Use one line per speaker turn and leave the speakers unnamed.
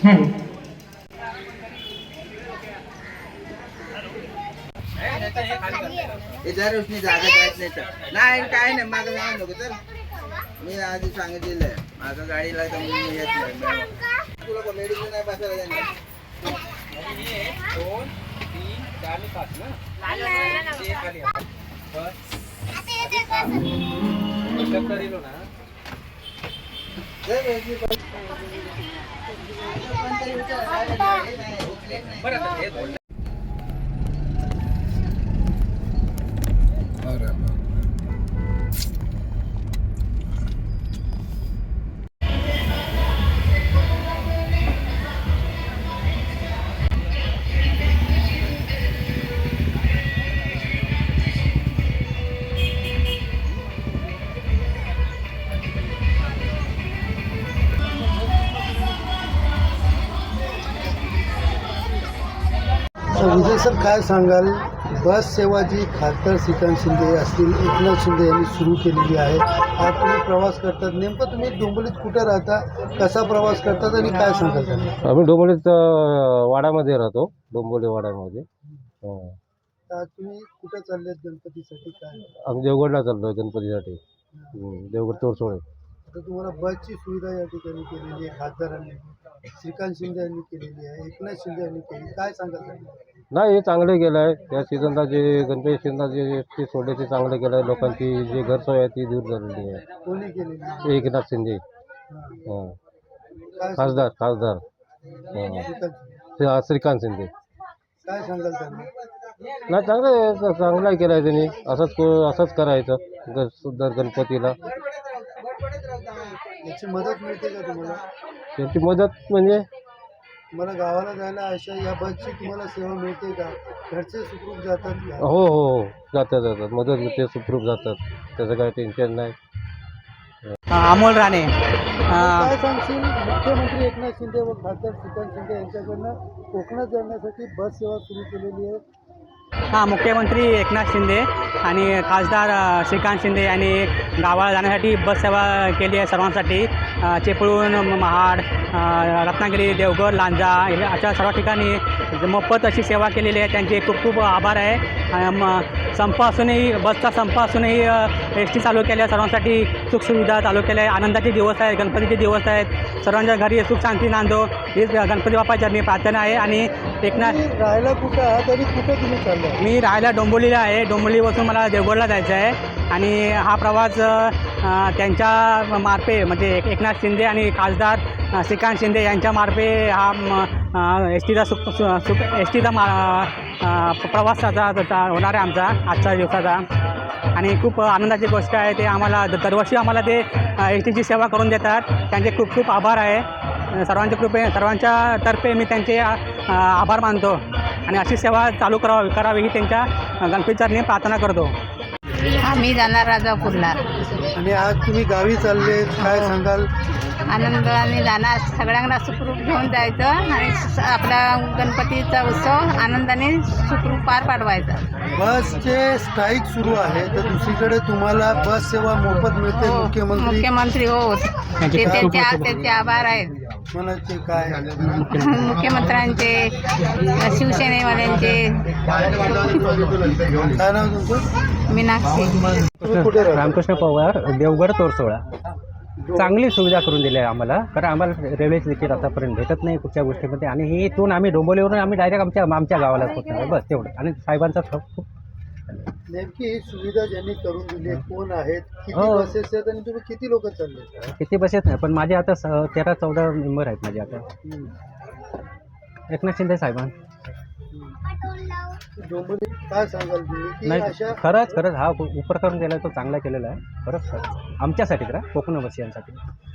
झाले.
नाही काय नाही माझं सांग नको तर मी आधी सांगितलेलं आहे माझं गाडीला तर मी येत नाही तुला मेडिसिन नाही बसायला देणार 2 3 4 आणि 5 ना ते खाली बस करीलो ना बरं
विजय सर काय सांगाल बस सेवा जी खासदार श्रीकांत शिंदे असतील एकनाथ शिंदे यांनी सुरू केलेली आहे आज तुम्ही प्रवास करतात नेमकं तुम्ही डोंबिवलीत कुठे राहता कसा प्रवास करतात आणि काय सांगाल त्यांना
आम्ही डोंबिवलीत वाड्यामध्ये राहतो डोंबिवली वाड्यामध्ये
आज तुम्ही कुठे चाललेत गणपतीसाठी काय
आम्ही देवगडला चाललो गणपतीसाठी देवगड तोरसोळे
आता तुम्हाला बसची सुविधा या ठिकाणी केलेली आहे खासदारांनी श्रीकांत शिंदे यांनी केलेली आहे एकनाथ शिंदे यांनी केली काय सांगाल त्यांना
नाही हे चांगलं केलं आहे त्या सीझनला जे गणपती सीझनला जे ते सोडले ते चांगलं केलं आहे लोकांची जे गैरसोय आहे ती दूर झालेली आहे
कोणी केलेली
एकनाथ शिंदे
हां. काय
खासदार श्रीकांत शिंदे
काय सांगाल त्यांना
नाही चांगलं केलं आहे त्यांनी असंच करायचं दर गणपतीला
याची मदत मिळते का तुम्हाला
त्यांची मदत म्हणजे
तुम्हाला गावाला जायला अशा या बसची तुम्हाला सेवा मिळते का घरचे सुखरूप जातात का
हो जातात मदत मिळते सुखरूप जातात त्याचं काही टेन्शन नाही.
अमोल राणे
काय सांगशील मुख्यमंत्री एकनाथ शिंदे व खासदार श्रीकांत शिंदे यांच्याकडनं कोकणात जाण्यासाठी बस सेवा सुरू केलेली आहे
मुख्यमंत्री एकनाथ शिंदे आणि खासदार श्रीकांत शिंदे यांनी गावाला जाण्यासाठी बस सेवा केली आहे सर्वांसाठी चिपळूण महाड रत्नागिरी देवगड लांजा अशा सर्व ठिकाणी मोफत अशी सेवा केलेली आहे त्यांचे खूप खूप आभार आहे संप असूनही बसचा संप असूनही एस टी चालू केल्या सर्वांसाठी सुखसुविधा चालू केल्या आहे आनंदाचे दिवस आहेत गणपतीचे दिवस आहेत सर्वांच्या घरी सुख शांती नांदो हीच गणपती बाप्पाची मी प्रार्थना आहे आणि एकनाथ
राहायला कुठं आहात आणि कुठं तुम्ही चालला
मी राहायला डोंबिवलीला आहे डोंबिवलीपासून मला देवगडला जायचं आहे आणि हा प्रवास त्यांच्या मार्फे म्हणजे एकनाथ शिंदे आणि खासदार श्रीकांत शिंदे यांच्या मार्फे हा एस टीचा एस टीचा प्रवास होणार आहे आमचा आजच्या दिवसाचा आणि खूप आनंदाची गोष्ट आहे ते आम्हाला दरवर्षी आम्हाला ते एस टीची सेवा करून देतात त्यांचे खूप खूप आभार आहे सर्वांच्या तर्फे मी त्यांचे आभार मानतो आणि अशी सेवा चालू करावी ही त्यांच्या गणपतीचरणी प्रार्थना करतो.
आम्ही जाणार राजापूरला
आणि आज तुम्ही गावी चालले काय सांगाल
आनंदाने जाणार सगळ्यांना सुखरूप घेऊन जायचं आणि आपला गणपतीचा उत्सव आनंदाने सुखरूप पार पाडवायचा.
बसचे स्ट्राईक सुरू आहे तर दुसरीकडे तुम्हाला बस सेवा मोफत मिळते
मुख्यमंत्री हो ते त्यांचे आभार आहेत
म्हणायचे काय
मुख्यमंत्र्यांचे शिवसेनेवाल्यांचे.
काय नाव तुमचं
मीनाक्षी
तुम्ही कुठे राहता?
रामकृष्ण पवार देवगड तोरसोळा चांगली सुविधा करून दिली आहे आम्हाला कारण आम्हाला रेल्वे तिकीट आतापर्यंत भेटत नाही कुठच्या गोष्टीमध्ये आणि हे इथून आम्ही डोंबिवलीवरून आम्ही डायरेक्ट आमच्या गावाला पोहोचणार बस तेवढं आणि साहेबांचा खूप
नेमकी ही सुविधा ज्यांनी करून दिली आहे कोण आहेत किती
हो.
बसेस आहेत आणि तुम्ही किती लोक चालले
किती बसेस नाही पण माझे आता 13-14 मेंबर आहेत माझे आता एकनाथ शिंदे साहेबां
डोंबिवली काय सांगाल तुम्ही की
नाही
अशा
खरंच हा उपक्रम केला तो चांगला केलेला आहे खरंच आमच्यासाठी तर कोकणवासियांसाठी